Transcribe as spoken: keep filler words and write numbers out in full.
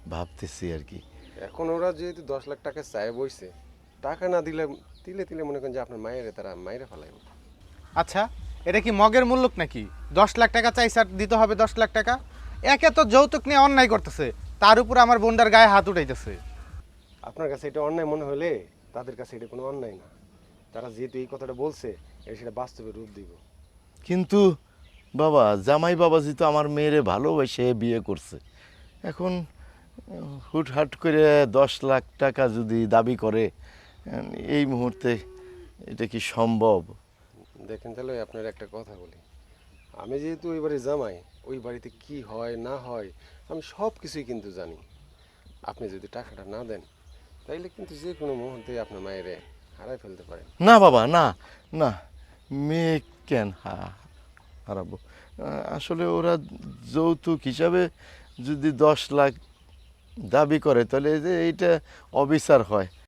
ভাবতেছি আর কি। এখন ওরা যেহেতু দশ লাখ টাকা চায় বইছে, টাকা না দিলে তিলে তিলে মনে করেন যে আপনার মায়ের তারা মায়েরা ফেলাইব। আচ্ছা, এটা কি মগের মূল্যক নাকি? দশ লাখ টাকা চাই স্যার, দিতে হবে দশ লাখ টাকা। একে তো যৌতুক নিয়ে অন্যায় করতেছে, তার উপর আমার বোনটার গায়ে হাত উঠাইতেছে। আপনার কাছে এটা অন্যায় মনে হলে তাদের কাছে এটা কোনো অন্যায় না। তারা যেহেতু এই কথাটা বলছে, এটা সেটা বাস্তবে রূপ দিব। কিন্তু বাবা, জামাই বাবাজি তো আমার মেয়েরে ভালোবেসে বিয়ে করছে। এখন উম, হুটহাট করে দশ লাখ টাকা যদি দাবি করে, উম, এই মুহূর্তে এটা কি সম্ভব? দেখেন তাহলে আপনার একটা কথা বলি, আমি যেহেতু ওই বাড়ি জামাই, ওই বাড়িতে কি হয় না হয় আমি সব কিছুই কিন্তু জানি। আপনি যদি টাকাটা না দেন তাইলে কিন্তু যে কোনো মুহূর্তে আপনার মায়েরে হারাই ফেলতে পারেন। না বাবা, না, না, মেয়ে কেন হা- হারাবো? আহ, আসলে ওরা যৌতুক হিসাবে যদি দশ লাখ দাবি করে, তাহলে এই যে এইটা অবিচার হয়।